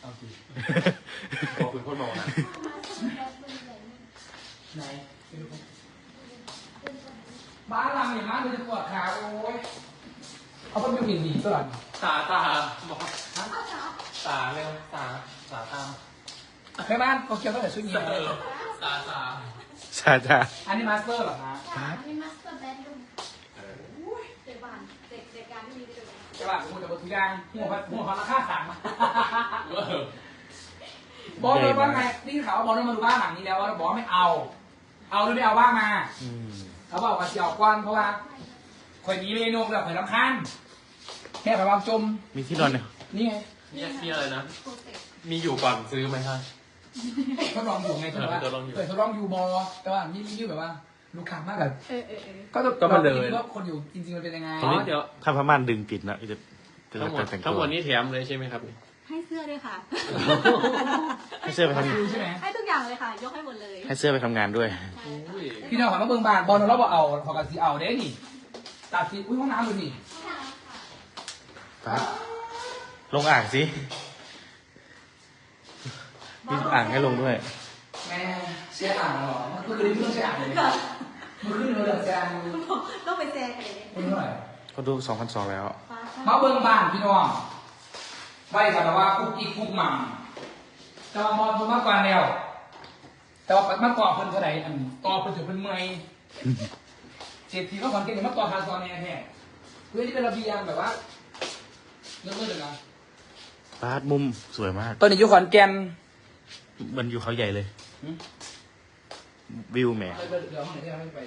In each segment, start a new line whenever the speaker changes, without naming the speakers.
เอาสิ
บอกคุณคนบอกนะ
ไหนบ้านเราอย่างนั้นเลยจะปวดขาโอ้ยเขาเป็นผิวดีตลอด
ตาบอกตาเร็วตาตาม
แม่บ้านโตเกียวตั้งแต่ชุดนี้เลย
ตา
ใช่จ้า
อันนี้มาสเตอร์เหรอคะ
มีมาสเตอร์แบดรูมเด็กบ้านเด็กการที่มีเด็ก
ใช่ป่ะผมจะบอกทุกอย่างหัวราคาสั่งมาบอลเลยว่าไงนี่ข่าวว่าบอลเลยมาดูบ้านหลังนี้แล้วว่าบอลไม่เอาหรือไม่เอาบ้างมาเขาบอกว่าจะเอากว้านเพราะว่าคนนี้เมนูแบบเหมือนลำคันแค่ไปวางจม
มีที่นอนเนี่ย
นี่ไง
มีอะไรนะ
โปรเจกต์
มีอยู่ก่อนซื้อไหมครับ
ทดลองอยู่ไงทดลอง
ทดลองอยู่
เคยทดลองอยู่บอแต่ว่านี่ยืดแบบว่าลูกค้ามากแบบ
ก็มาเลย
ว่าคนอยู่จริงๆมันเป็นยังไง
อ๋อเดี๋ยว
ถ้าพม่านดึงปิดนะจะ
ทั้งหมด
แต่ง
ทั้ง
ตั
หม
ว
ดนี้แถมเลยใช่ไหมครับ
ให้เสื้อด้วยค่ะ
ให้เสื้อไปท
ดูใช่ไหม
ให้ทุกอย่างเลยค่ะ ยกให้หมดเลย
ำให้เสื้อไปทำงานด้วย
พี่น้องขอมาเบิ่งบ้านบอลเราบอกเอาขอกันสีเอาเด้นี่ตาสีอุ้ยห้องน้ำดูนี่
ปั๊บลงอ่างสิ มีอ่างให้ลงด้วย
แม่เสียอ่างเหรอเมื่อคืนนี้ไม่ต้องเสียอ่างเลยเมื่อคืนเราเสียอ่าง
ต้องไปแชร์กันเลย
คุณเท่าไหร่
ก็ดู2,200แล้ว
มาเบิ่งบ้านพี่น้องไว้กันว่าคุกอีกคุกหม่ำแต่ว่ามอนผมมากกว่าแล้วแต่ว่ามาก่อเพิ่นเท่าไหร่อันต่อเพิ่นถึงเพิ่นเมื่อยเศรษฐีก็ขอนเก่งมาต่อทางซอนแน่แท้เพื่อที่เป็นระเบียงแบบว่าเลิศๆเลยนะ
ปาดมุมสวยมาก
ตอนนี้อยู่ขอนแก่น
มันอยู่เขาใหญ่เลย วิวแหม
เดี๋ยวห้องไหนที่เราไม่ไป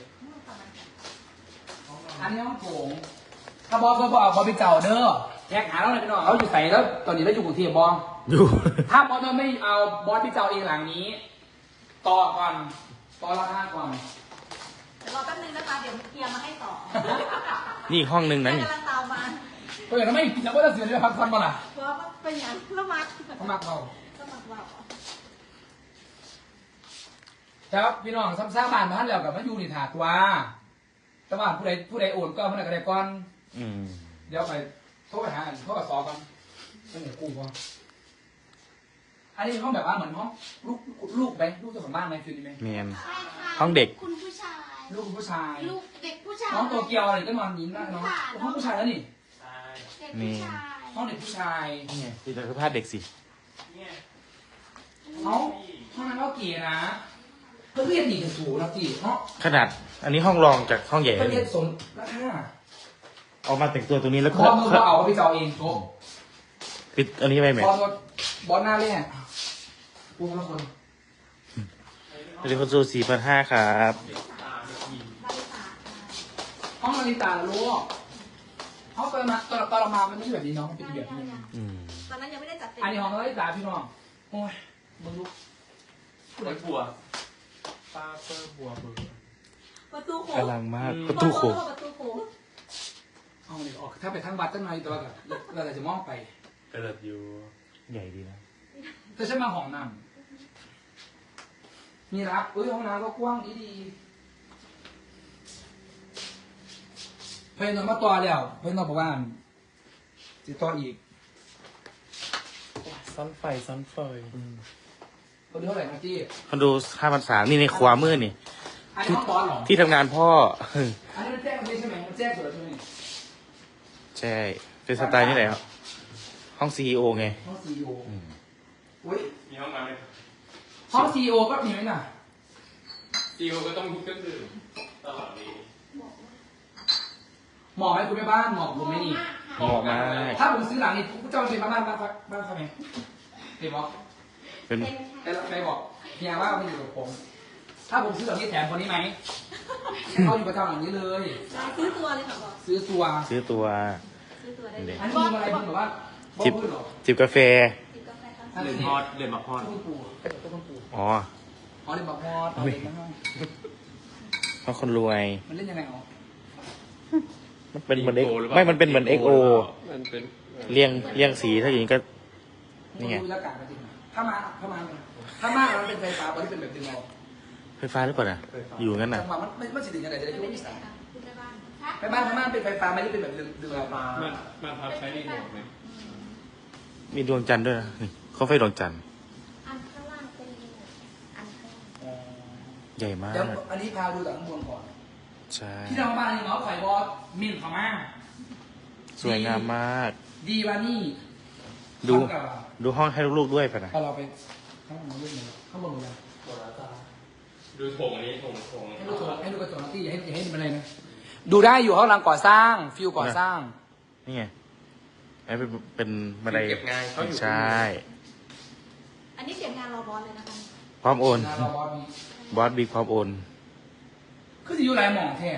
อันนี้ห้องโถงถ้าบอสก็บอกบอสไปเจ้าเด้อแยกหาเราเลยพี่น้องเขาอยู่ใส่แล้วตอนนี้เราอยู่กรุงเทพบอส
อยู่
ถ้าบอสไม่เอาบอสไปเจ้าเองหลังนี้ ต่อก่อนต่อราคาก่อน
เดี๋ยวรอแป๊บนึงนะคะ เดี๋ยวเคลียร์มาให้ต่อ
นี่อีกห้องนึงนะนี่
กำลังตามมา
ก็อย่างนั้นไม่จะว่าจะเสียเลยพักผ่อนมาล่ะ
เพราะว่าเป็นอย่างละมัด
เขามักเรา
ละมัดว่า
ครับพี่น้องซ้ำซ่าบ้านบ้านแล้วกับมาอยู่ในถาดตัวแต่ว่าผู้ใดโอนก็ผู้ใดก็ได้ก่อน
อืม
เดี๋ยวไปโทรไปหาโทรกับซอกันไม่เหนือกูก่อนอันนี้ห้องแบบว่าเหมือนห้องลูกไหมลูกเจ้าของบ้านไหมฟิลนี้ไหม
เมียน
ใช่ค่ะ
ห้องเด็ก
คุณผู้ชาย
ลูกผู้ชาย
ลูกเด็กผู้ชาย
น้องโตเกียวอะไรก็นอนยิ้มได้น้องห้องผู้ชายแล้วนี่
เด็กผู้ชาย
ห้องเด็กผู้ชาย
นี่ไงที่จะพาดเด็กสิ
เขาห้องนั้นก็เก๋นะเพื่อนเรียกดีกันสูงนะจีเนาะ
ขนาด อันนี้ห้องรองจากห้องใหญ่
เพื่อน
เล
เรีย
ย
กสมราคา
เอามาแต่งตัวตรงนี้แล้ว
พ
ก็
อมือเอาไปเจ้าเองโต๊ะ
ปิดอันนี้ไปไหม
พอรถบอลหน้าเล่นปูละคน
เดี๋ยวคนซู4,500ครับ
ห้องนาฬิกาลูกห้องตอนเรามามันไม่ใช่แบบนี้เนาะมันเป็นแบบนี้
อืม
ตอนนั้นยังไม่ได้จัดเต็ม
อันนี้ห้องนาฬิกาพี่น้องโอ้ยมึงดู
ผู้ใดบัวปลาเปอร์บัวเบอร์
ประตูโค้
กำลังมากประตูโขง
ประตูโค้ง
ห้องนี้ออกถ้าไปทั้งวัดตั้งในตัวแบบเราจะมองไป
กระเดิดอยู่
ใหญ่ดีนะ
แต่ฉันมาห้องน้ำมีรับห้องน้ำก็กว้างดีเพื่อนนอนมาต่อแล้วเพื่อนนอนบอกว่าจะต่ออีก
ซ้อนไฟซ้อนไฟ
คนเท่าไหร่นะจี้
คนดู5,300นี่ในขวามือนี่
อันนี้ห้องบอลเหรอ
ที่ทำงานพ่อ
อันนี้มันแจ้งไม่ใช่ไหมมันแจ้งสุดแล้วใช่ไหม
ใช่ เป็นสไตล์นี่แหละครับห้อง CEO ไง
ห้องซีอีโอ
อืม
อุ้ย
มีห้องน้ำไหม
ห้องซีอีโอก็มีไหมน่ะ
ซีโอก็ต้องมีเครื่องดื่มตลอดเลย
เหมาะไหมคุณแม่บ้านเหมาะผมไหมนี่
เหมาะมาก
ถ้าผมซื้อหลังนี่คุณเจ้าเป็นบ้านเขาไหมเห็นบอก
เป็น
แต่ใครบอกเฮียว่ามันอยู่กับผม ถ้าผมซื้อหลังนี้แถมคนนี้ไหมเขาอยู่ประจำหลังนี้เลย
ซื้อตัวเลยค่ะบอก
ซื้อตัว
ซื้อตัว
ซื้อตัวได้
เด็ก
อันนี้มีอะไรบ้างแบบว่าบอก
จิบ
พูดเหรอ
จิบกาแฟ
กินกาแฟค่ะ
นั่น
เดือ
สิ
นฮอตเดือนมาฮอต
ต้นปูต้นปู
อ๋อ
อ๋อเล่นบักฮอดเอาเล่นมาให้
เพราะคนรวย
มันเล่นยังไงอ๋อ
มันเป็นเหมือน X ไม่มันเป็นเหมือน XO
มันเป็น
เรียงสีถ้าอย่างนี้ก็ นี่ไง
ดูอากาศกันจริงถ้ามามันเป็นไฟฟ้าบอลที่เป็นแบบดึงเอา
ไฟฟ้าหรือเปล่าน่ะ อยู่งั้นน่ะ
จังหวะมันสิถึงยังไงจะได้คิดว่ามีสาย
คุณแม่บ้าน
ไปบ้านเป็นไฟฟ้าไม่ได้เป็นแบบดึงเอา
มันพับใช้รีโมทไหม
มีดวงจันทร์ด้วยนะนี่มไฟดวงจันทร์
อันข้างล่างเป็นลิงอันข้างล่าง
ใหญ่มาก
เดี๋ยวอันนี้พาดูจากข้างบนก่อน
ใช่
ที่เราบ้านนี่เนาะไข่บอสมินพม่า
สวยงามมาก
ดีวานี่
ดู
ทำกับ
ดูห้องให้ลูกๆด้วยป่ะนะ
พอเราไปข้างบนเรื่องนี้ข้างบนเลย
หมดแล้วจ้าดูโถงอันนี้โถง
ให้ดูให้ดูกระจกนะที่อย่าให้มันอะไรนะดูได้อยู่ห้องกำลังก่อสร้างฟิวก่อสร้าง
นี่ไงไอ้เป็นบันได
เก็บงานเขาอยู่
ใช่
อันนี้เสียงงานรอบอสเลยนะคะ
พร้อมโอน
เราบอสมี
บอสบิ๊กพร้อมโอน
คือจะอยู่ไรหมองแท้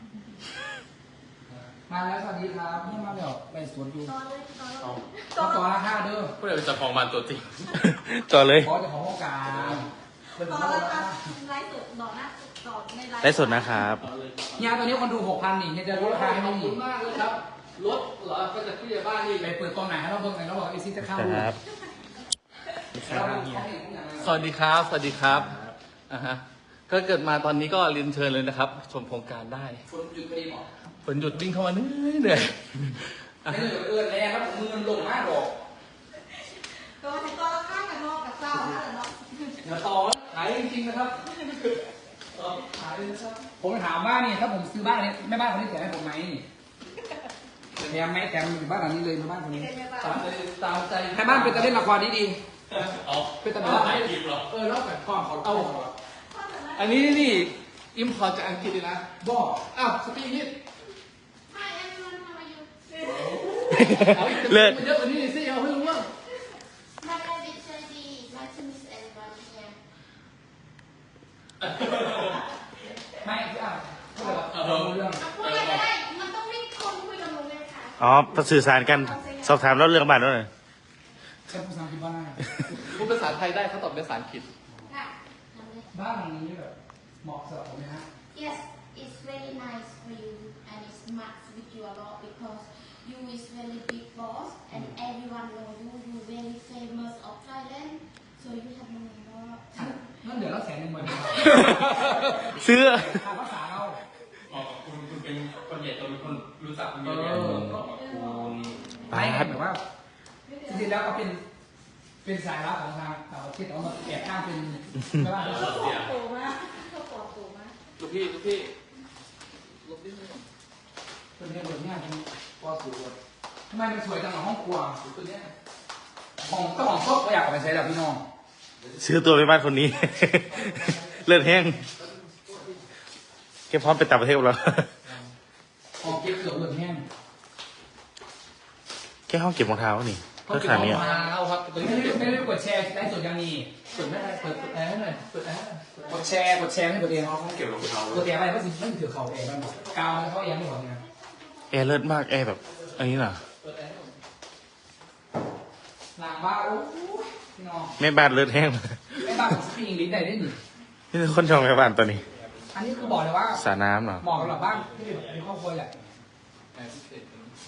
มาแล้วสวัสดีครับนี่มาแล้วไปสวนอยู่
ตอนเลยตอน
เอา
ต้องต่อราคาเด้อ
ผู้ใดเป็นเจ้าของบ้านตัวจริง
ต่อเลย
บอสจะของห้องกลางเป็น
ต
ข
อ
อน ง
เลย
รา
ค่ะ
คา
ไลฟ์สดต่อหน้าต่อในไลฟ์
ได้สดนะครับ
เนี่ยตอนนี้คนดู 6,000นี่เนี่ยจะลดราคาให้
ขอบ
นี่
คุณมากเลยครับรถเหรอก็จะผู้ใหญ่บ้านนี่
ไปเปิดตอนไหนให้เราเบิ่งไหนเราบอกไอซีจะเข้า
ครับ
เราเบิ่งเขาเห็นทุกอย่างเลย
สวัสดีครับ สวัสดีครับอ่าฮะก็เกิดมาตอนนี้ก็เรียนเชิญเลยนะครับ ชมโครงการได้
ฝนหยุดพอดีหมอ
ฝนหยุดวิ่งเข้ามาเหนื่อยอ่ะ
ไม่เหลือเอื้อนแรงครับมือมันลงมากหรอก
ตัวถึงตัวละข้างกับนอกกับเจ้านั่นแหละเนาะ
อย่าต่อขายจริงๆนะครับขายเลยนะครับผมถามว่านี่ถ้าผมซื้อบ้านนี้แม่บ้านคนนี้แถมให้ผมไหมแถมไหมแถมอยู่บ้านหลังนี้เลยแม่บ้านคนนี้
ตามใจ
แม่บ้านเป็นตะเล่นละครดี
เอา
ๆเป็นตะ
เอา
เล่น
ถ่ายคลิปเหรอ
แล้วแบบความเขาเอา
อันนี้นี่อิมพอร์ตจากอังกฤษเลยนะ
บอก
อ้าวสปีกนี่
Hi everyone how are you
เอาอีก
เลิศ
มันเยอะกว่านี้สิเอาให้รู้ว่า
My name is Sandy nice to meet everyone here
ไม่พี่อ่ะพูดเลยว่าเรารู้เรื่อง
พูดอะไรก็ได้มันต้องไม่คนคุยกับหนูเลยค่ะ
อ๋อสื่อสารกัน สอบถามแล้วเรื่องบ้านด้วยหน่อย
ใช้ภาษาอังกฤษบ้านหน้า
พูดภาษาไทยได้เขาตอบเป็นภาษาอังกฤษ
ค่ะทำเลย
บ้านหลังนี้แบบเหมาะสำหรับผมไหมฮะ
Yes it's very nice for you and it's match with you a lot because you is very big boss and everyone know you you very famous of Thailand so you have money more
นั่นเดี๋ยวเรา100,000เหมือนกัน
ซื้อ
ค่าภาษาเรา
อ๋อคุณเป็นคนใหญ่โตเป็นคนรู้จักคนเย
เอ
อะแยะ
อ
ขอบคุณ
ไม่แบบว่าจริงๆแล้วก็เป็นสายลับของทางต่างประเทศแต่ว่ามันแอบอ้างเป็นไม่ว่า
เขาปลอดโตมากเขาปลอดโตมาก
ลูกพี่ลูกพี่ลูกพี่
เป็นเรื่องแบบนี้เป็นปอสูงทำไมมันสวยจังหรอห้องครัวตัวเนี้ยของเจ้าของชอบก็อยากเอาไปใช้แล้วพี่น้อง
ซื้อตัวไปบ้านคนนี้ เลือดแห้งแกพร้อมไปต่างประเทศกับเรา
ของเก็บเกือบเหลือแห้ง
แค่ห้องเก็บรองเท้านี่เพื่อขาดเนี่ย
เอาครับตัวนี้
ไม่ได้กดแชร์ได้ส่วนยังมี
เปิดไม่ได้เปิดแอร์ให้หน่อยเปิดแอร์
กดแชร์ให้ตัวเอง
ห้องเก็บรองเท้าก
ดแชร์ไปก็สิไม่ถือเขาเองมันบอกกาวเขาเองไม่หมดเนี่ย
แอร์เลิศมากแอร์แบบอันนี้น่ะ
เปิดแอร์ให้ผม
หลังบ้านโอ้ยพี่น้อง
แม่บ้านเลิศแห้ง
ไม่บ้านผมสปีกอังกฤษได้หนิ
นี่คือคนชมแม่บ้านตัวนี้
อันนี้คือบอกเลยว่า
สระน้ำเหรอ
เหมาะกับบ้านที่มีครอบครัวแหละ
แอร์พิเศษ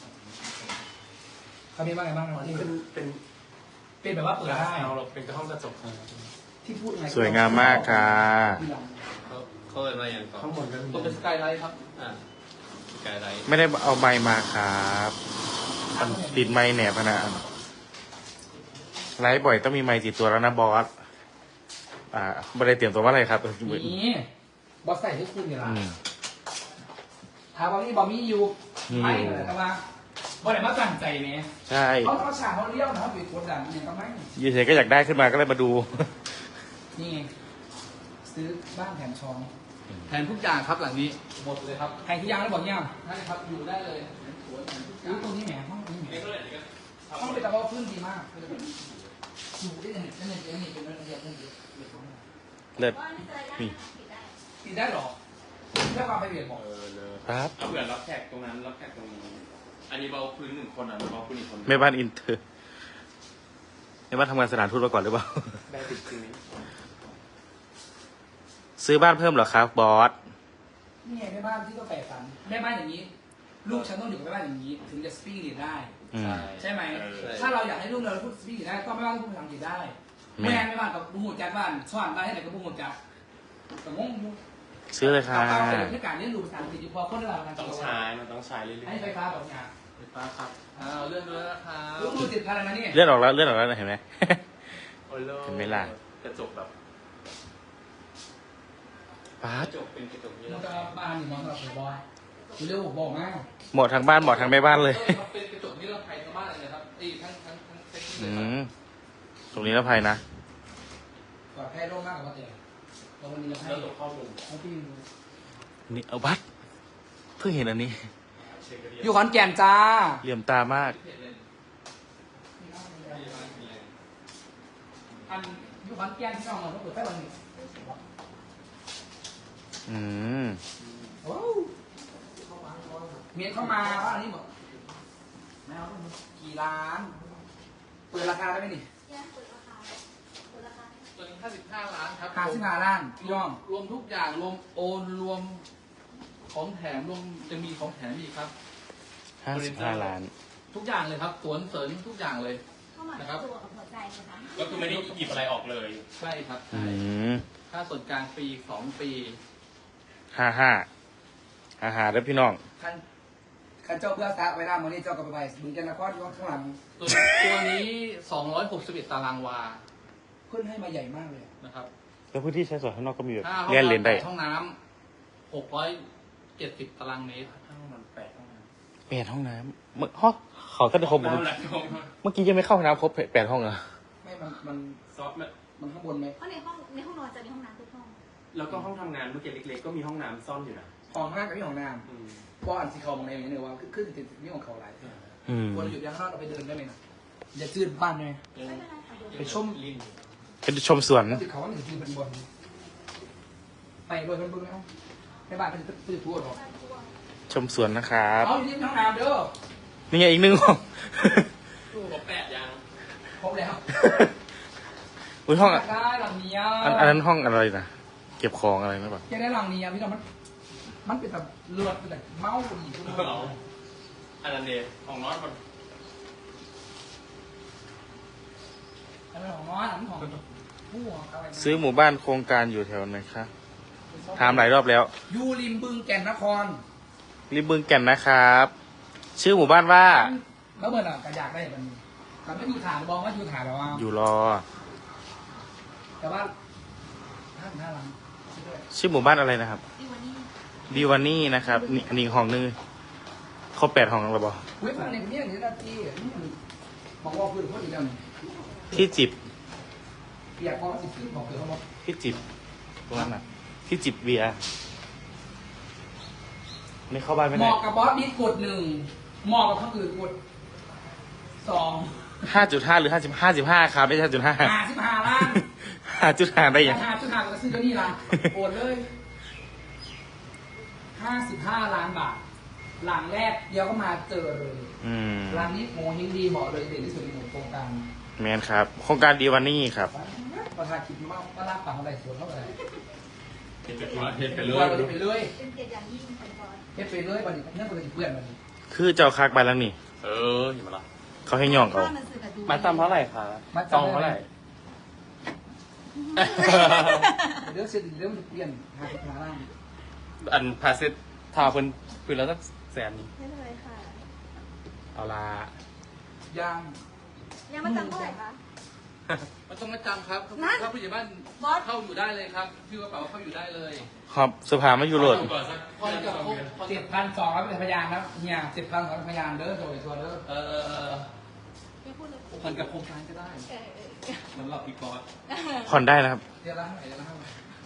เขามีบ้านอะไรบ้างนะที่
เป็น
เป็นแบบว่าเปิดได้
เราเป็นห้องกระจก
ที่พูดไง
สวยงามมากค่ะ
เขาเป็นอะไรอย่างต่อข้างบนก็ตัวเป็นสกายไลท์ครับสกายไลท์
ไม่ได้เอาไม้มาครับมันติดไม้แหนบนะไลฟ์บ่อยต้องมีไม้ติดตัวแล้วนะบอสไม่ได้เตรียมตัวว่าอะไรครับ
นี่บอสใส่ให้คุณเนี่ยล่ะ
อืม
ถามว่านี่บอมี่อยู่ไม่เลยแต่ว่าบอสไหนมาตั้งใจเนี่ย
ใช่
เขาฉากเขาเลี้ยวนะเขาปิดกดดันเนี่ยก็ไม่
ยูเฉยก็อยากได้ขึ้นมาก็เลยมาดู
นี่ไงซื้อบ้านแถมช้อน
แทนทุกอย่างครับหลังนี้หมดเลยครับ
ใครที่ยังแล้วบอกเนี่ย
ได้ครับอยู่ได้เลยสวน
ซื้อตรงนี้แหมห้องนี้แหม ห้องเป็นตะวันพื้นดีมากอยู่ได้ยังไงนั่นเองนี่เป็นเรื่องเดียวกันเดียว
เลิศ
ว่านี่จะได้
นี่
ปิดได้
ติดได้หรอเรื่องความไปเบียดบอก
เลย
ครับ
เอาเผื่อรับแขกตรงนั้นรับแขกตรงนี้ อันนี้เบาพื้น1 คนเบาพื้นอีกคน
แม่บ้านอินเตอร์แม่บ้านทำงานสถานทูตมาก่อนหรือเปล่า
ได้ติดจริงนี้
ซื้อบ้านเพิ่มเหรอครับบอส
นี่ไงแม่บ้านที่ต้องแปลฝันแม่บ้านอย่างนี้ ลูกฉันต้องอยู่กับแม่บ้านอย่างนี้ ถึงจะสปีกอังกฤษได้
อืม
ใช่ไหมถ้าเราอยากให้ลูกเราพูดสปีกอังกฤษได้ก็แม่บ้านต้องพูดภาษาอังกฤษได้แม่บ้านกับบุหูจัดบ้านสอนได้ให้ไหนกับบุหูจัดแต่งงอยู่
ซื้อเลยค่ะ
เอาไปในการเรียนรู้ภาษาอังกฤษอยู่พอคนเราการ
ต้องใช้มันต้องใช้เรื่อย
ให้ไฟฟ้าแบบนี้
ๆไฟฟ้าครับเลื่อนด้วยนะครับ
ลูกมือติดพันแล้วนะนี่
เลื่อนออกแล้วเห็นไหมเห็นไหมล่ะ
กระจกแบบ
ป๊าก ด
ระจกเป็นกระจกนี้
มันจะบ้านนี่มองสำหรับผมบอยเร็วบอกมา
เหมาะทางบ้านเหมาะทางแม่บ้านเลย
เป็นกระจกนิรภัยทั้งบ้านเลยนะครับทั้งเซ็ตเล
อื
ยครับ
มตรงนี้นะภัยนะ
ปลอดภัยโล่งมากกว่าเตียงเราวันนี้เราให้
แล้วตัวข้อมูล
ให้พี่ดู
นี่เอาบัตรเพิ่งเห็นอันนี้
อยู่ขอนแก่นจ้า
เหลี่ยมตามาก
อันอยู่ขอนแก่นที่น้องเราเปิดไฟวันนี้
อืม
โอ้เมียเข้ามาว่าอันนี้บอกไม่เอากี่ล้าน เปิดราคาได้ไหมนี่
ยังเปิดราคาเปิดราคา
ตัวนี้55 ล้านครับ
55ล้านพี่น้อง
รวมทุกอย่างรวมโอนรวมของแถมรวมจะมีของแถมอีกครับ
55 ล้าน
ทุกอย่างเลยครับสวนเสริญทุกอย่างเลย
เข้ามา
นะครับ
ตัวกับหัวใจนะคะ
ก็คือไม่ได้หยิบอะไรออกเลย
ใช่ครับ
อื
ใช่
ม
ค่าส่วนกลางปี2 ปี
55แล้วพี่น้อง
คันเจ้าเพื่อซะไว้หน้ามือนี่เจ้ากับไปบึงกันนครที่ว่าข้างหลัง
ตัวนี้261 ตารางวา
เพื่อนให้มาใหญ่มากเลย
นะครับ
แล้วพื้นที่ใช้สอยข้างนอกก็มีแบบ
ห้าห้อง
เลี่ยนเลนได้
8ห้องน้ำ670 ตารางเมตรห้องน้ำ8ห้องน้
8 ห้องน้ำเมื่อฮะขอก็จะครบ
แล้วแหละ
เมื่อกี้ยังไม่เข้าห้องน้ำครบ8 ห้องเหรอ
ไม่มัน
ซอฟต์
มันข้างบนไหม
เพราะในห้องนอนจะมีห้องน้ำทุกห้อง
แล้วก็ห้องทำงานเมื่อกี้เล็กๆ ก็มีห้องน้ำซ่อนอยู่นะ
ของห้างกับพี่ของน้
อืม
ำเพราะอันสีเขามองในอย่างนี้เลยว่าขึ้นติดนี่ของเขาหลาย
อืม
ควรหยุดยังข้างนอกเราไปเดินได้ไหมนะอย่าจืดบ้านเลย
ไม่เป็นไรค่ะเดี๋ยว
ไปชม
ลิ้น
เป็นชมสวน
ติดเขาว่าหนึ่งจืดเป็นบนไปโดยเป็นบึงแล้วในบ้านเป็นตื่นทั่วหรอ
ชมสวนนะครับ
เอาอยู่ที่ห้องน้ำเด้อ
นี่ไงอีกหนึ่งห้อง
ตู้กับ8ยัง
ครบแล้ว
อุ้ยห้อง
อยากได้หลังนี้
อันนั้นห้องอะไรนะเก็บของอะไรนะปะ
อยากได้หลังนี้พี่น้องมันเป็นแบบเลือดเป็นแบบเมาดีทุกคน
อันนั้นเดชของน้อยมัน
อันนั้นของน้อยอันนั้นของผู้อะไร
ซื้อหมู่บ้านโครงการอยู่แถวไหนคะถามหลายรอบแล้ว
ยูริมบึงแก่นนคร
ริมบึงแก่นนะครับ ชื่อหมู่บ้านว่า
แล้วเมื่อไหร่ก็อยากได้มันแต่ไม่อยู่ฐานบอกว่าอยู่ฐานแล้วว่า
อยู่รอ
แต่ว่าห้าหลัง
ชื่อหมู่บ้านอะไรนะครับ
ดีวันนี้
ดีวานี่นะครับนี่อันนี้ห้องนึงครบ8 ห้องแล้วบอ
เว้ยมันในคนนี้อย่างนี้นะที่บอกว่าคือคนอีกแล้ว
ที่จิบ
อยากบอกว่าสิขึ้นบอกคือเขาบอก
ที่จิบตรงนั้นน่ะที่จิบเบียร์ไม่เข้าบ้านไม่
เห
ได้
มาะกับบอสบิ๊กกด1เหมาะกับคนอื่นกด2
5.5 หรือ 55ครับไม่ใช่5.5
55ล้าน
5.5ได้ยัง
5.5ก็ซื้อตัวนี้ละโอนเลย55 ล้านบาท หลังแรกเดี๋ยวก็มาเจอเลย
อืม
ร้านนี้โมฮิงดีเหมาะเลยเด่นที่สุดในหมู่โครงการ
แมนครับ โครงการดีวานี่ครับ
ประธานคิดมากว่ารับปากอะไรสวนเท่าไหร่
เห็นไปเล
ไปเลย
เป็นเกียรติอย่างยิ่งเป็นบอส
เฮ็ดไปเลยบัดนี้เนื่องจากเพื่อนบัดนี้
คือเจ้าคักไปแล้วนี่
เออเห็นไหมล่ะ
เขาให้ย่องเอา
ข้าหนังสือกับดู
มาตามเท่าไหร่คะจองเท่าไหร่
เรื่องเสร็จเรื่องมันเปลี่ยน55 ล้าน
อันพาเซตทาเพิ่นแล้วสัก100,000
ไม่เลยค่ะ
เอาละ
ยาง
ยังมาจำเท่าไหร่คะ
มันต้องมาจำครับ
นั่น
ถ้าผู้ใหญ่บ้าน
บอส
เข้าอยู่ได้เลยครับชื่อกระเป๋าเข้าอยู่ได้เลย
ครับสภาไม่อยู่โหลด
ก่อนสัก
พอจะครบพอจะ
7,200เป็นพยานแล้วเฮีย7,200เป็นพยานเด้อโดยตัวเด้อ
ไม่พูดเลย
ผ่อนกับโครงการก็ได้
เออ
สำหรับพี่กอล์ฟ
ผ่อนได้นะครับ
เดือนละเท่าไหร่เดือนละเท่าไหร่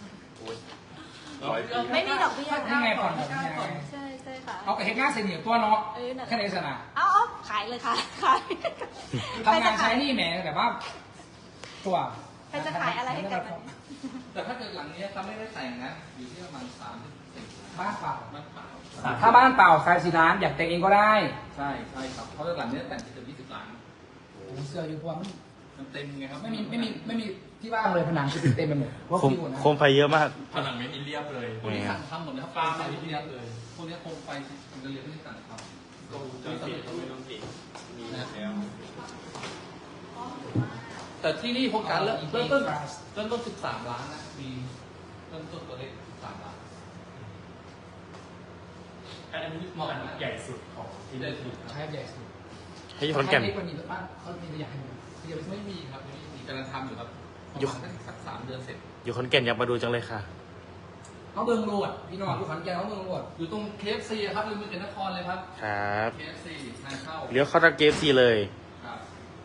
ไม่มีดอกเบี้ย
นี่ไงผ่อนแบบนี้ไง
ใช่ใช่ค่ะ
เอากระเฮ็ดงานเสนียตัวเนาะ
เออนั่นแหละ
แค่ในสนาม
เอาขายเลยค่ะขาย
ทำงานใช้หนี่แหมแต่ว่าตัว
ใครจะขายอะไรให้กันมัน
แต่ถ้าเกิดหลังนี้เขาไม่ได้แต่งนะ อยู่ที่ประมาณ30
บ้านเปล่า
บ้านเปล่า
ถ้าบ้านเปล่าขาย4 ล้านอยากแต่งเองก็ได้
ใช่ใช่ครับเพราะหลังนี้แต่งจะ20 ล้าน
ผมเสื้ออยู่เพราะว่ามัน
มันเต็มไงครับ
ไม่มีที่ว่างเลยผนังคือเต็มไปหมดเพราะ
โคม
คิวนะ
โคมไฟเยอะมาก
ผนังไม่มีเรียบเลย
พวกนี้สั่งทำหมดเลยครับปลาใส่ที่นี้เลยพวกนี้โคมไฟมันจะเรียนไม่ได้สั่งครับ
ก็จะเปลี่ยนก็ไม่ต้องเปลี่ยนมีแล้ว
แต่ที่นี่โครงการเริ่มต้น13 ล้านนะมีเริ่มต้นตัวเลข13 ล้าน
อันนี้เหมาะใหญ่สุดของที่ได้ถูก
ใช้ใหญ่สุด
ให้ขอนแก่น
ใช้เล็กกว่านี้บ้านเขามีตัวอย่างให้ดู
ยังไม่มีครับยังไม่มีกำลังทำอยู่ครับสัก3 เดือนเสร็จ
อยู่ขอนแก่นอยากมาดูจังเลยค่ะ
เขาเมืองโรดพี่น้องอยู่ขอนแก่นเขาเมืองโรด
อยู่ตรง KFC ครับริมเกษตรนครเลยครับ
ครับ
KFC ทางเข้า
เลี้ยวเข้าทางเกฟซีเลย
ครับ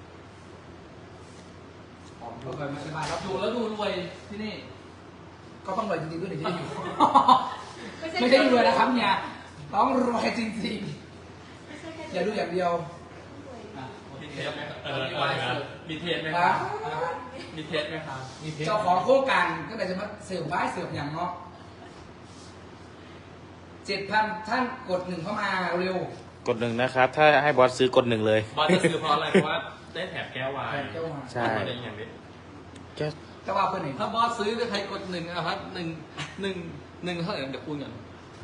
เราเคยมาสบาย
อยู่แล้วดูรวยที่นี่
ก็ต้องรวยจริงๆด้วยถึงจะอยู่ ไม่ใช่รวยนะครับเนี่ยต้องรวยจริงๆอย่าดูอย่างเดียว
มีเทสไหมมีเทสไหมค
นะ
รับมีเทสไหมครับมีเทส
เจ้าของโครงการก็เลยจะมาเสิร์ฟบ้ายเสิร์ฟอย่างเนาะ7,000ท่านกด1เข้ามาเร็ว
กดหนึ่งนะครับ ถ้าให้บอสซื้อกดหนึ่งเลย
บอสจะซื้อเพราะอะไรเพราะว่าได้แถบแก้ววาย
เจ้ามา
ใช่
อะไรอย่างนี้
แค่
แต่ว่าเพื่อนไหน
ถ้าบอสซื้อใครกด1นะครับ1เท่าไหร่เดี๋ยวคูณกัน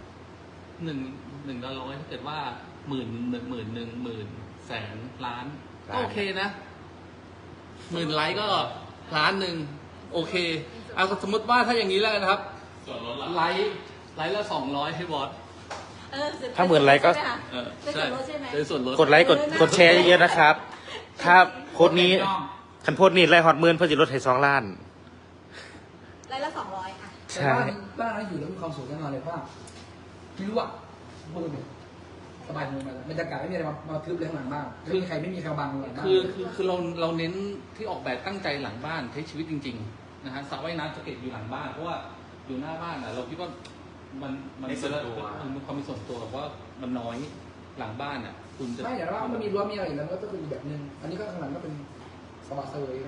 1ละ100ถ้าเกิดว่า10,000 10,000 แสนล้านก็โอเคนะ10,000 ไลค์ก็1,000,000โอเคเอาสมมติว่าถ้าอย่างนี้แล้วกันนะครับ
ส่วนลดละ
ไลค์ละ200ให้บอส
ถ้า10,000 ไลค์ก็
ใช่ได้ส่วนลด
กดไลค์กดแชร์เยอะๆนะครับ ถ้าโพสต์นี้คันโพสต์นี้ไล่ฮอตหมื่นเพื่อจะลดให้2 ล้าน
ไล่ละ200ค่ะ
แต่ว่าบ้านนั้นอยู่แล้วมีความสุขแน่นอนเลยเพราะว่าไม่รู้อ่ะพูดเลยสบายมือมาบรรยากาศไม่มีอะไรมาทึบเลยข้างหลังบ้านไม่มีใครไม่มีใครบังหลังบ้าน
คือเราเน้นที่ออกแบบตั้งใจหลังบ้านใช้ชีวิตจริงๆนะฮะสระว่ายน้ำจะเก็บอยู่หลังบ้านเพราะว่าอยู่หน้าบ้านอ่ะเราคิดว่ามันมีความเป็นส่วนตัวแบบว่ามันน้อยหลังบ้านอ่ะคุณจะ
ไม่แต่ว่ามันมีรั้วมีอะไรอยู่แล้วมันก็เป็นอีกแบบนึงอันนี้ก็ข้างหลังก็เป็นสบายเซยนะ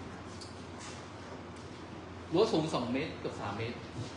รั้วสูง2 เมตรเกือบ3 เมตร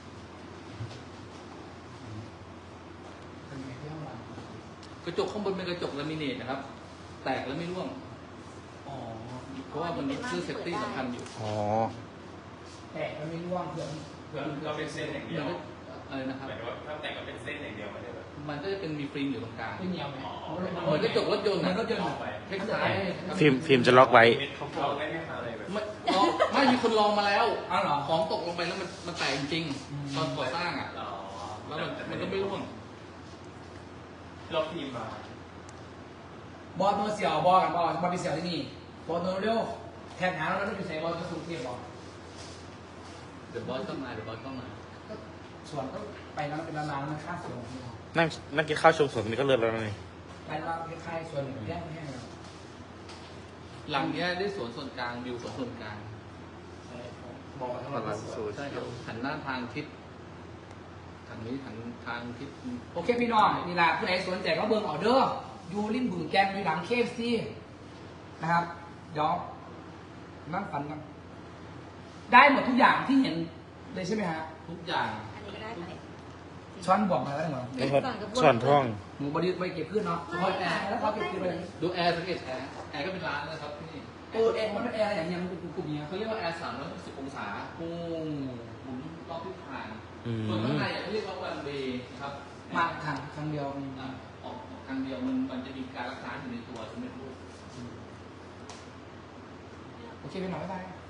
เป็นไงที่ข้างหลัง
กระจกข้างบนเป็นกระจกลามิเนตนะครับ แตกแล้วไม่ร่วง
อ๋อ
เพราะว่ามันมีเครื่องเซฟตี้สำคัญอยู่
อ๋อ
แต่มันไม่ร่วงเพื่อน
เพื่อเราเป็นเส้นอย่างเดียว
มันก็อะไรนะครับ
หมายถึงว่าถ้าแต่งก็เป็นเส้นอย่างเดียวไม่ได้แบบ
มันก็จะเป็นมีฟิล์มอยู่ตรงกลาง
ไม่เหนียวไหม
เหมือนกระจกรถยนต์
มั
นะ
นก็เดิน
ออกไป
คล้ายๆ
ฟิล์มจะล็อกไว้
เขาเราได้ไหมคะอะไรแบบ
ไม่มีคนลองมาแล้ว
อ้าวเหรอ
ของตกลงไปแล้วมันแตกจริง
อืม
ๆตอนก่อสร้างอ่ะ
อ๋อ
แล้วมันก็ไม่ร่วง
เราพิมพ์มา
บอลโนเสียวบอลกันบอลบอลไปเสียวที่นี่บอลโนเร็วแทนหาแล้วอยู่ใส่บอลจะสูงเทียบบอล
เดี๋ยวบอสต้องมา
ส่วนก็ไปแล้วเป็นร้านๆมันค่าส่วน
นั่งกินข้าวชมสวนนี่ก็เลิศแล้วนี่
ไปแล้วคล้ายๆส่วนแย่งแห้งแล้ว
หลังเนี้ยได้สวนส่วนกลางวิวสวนส่วนกลาง
บอกทั้งหมด
ใช่ครับหันหน้าทางทิศทางนี้ทางทิศ
โอเคพี่น้องนี่แหละผู้ใดสนใจก็เบิ่งออเดอร์อยู่ริมบึงแกนอยู่หลังเคฟซีนะครับเดี๋ยวนั่งฝันกันได้หมดทุกอย่างที่เห็นเลยใช่ไหมฮะ
ทุกอย่าง
อันนี้ก็ได้ไป
ช้อนบอกมาแล้วเหรอ
ส่วนท่อง
หมูบริไปเก็บขึ้นเนาะเฉพาะแอร์แล้วเขาเก็บขึ้นไปเลย
ดูแอร์สังเกตแอร์ก็เป็นร้านนะครับที่นี่
แอร์มันเป็นแอร์อะไรอย่างเงี้ยมันเป็นกลุ่มๆเนี้ย
เขาเรียกว่าแอร์360 องศา
โอ้
หมุนรอบทิศทาง
อืม
ส่วนข้างในเขาเรียกว่าวันเวย์ครับ
มาครั้งเดียว
ออกทางเดียวมันจะมีการรักษาอยู่ในตัวใช่ไหมลูก
โอเคพี่น้องบ๊ายบาย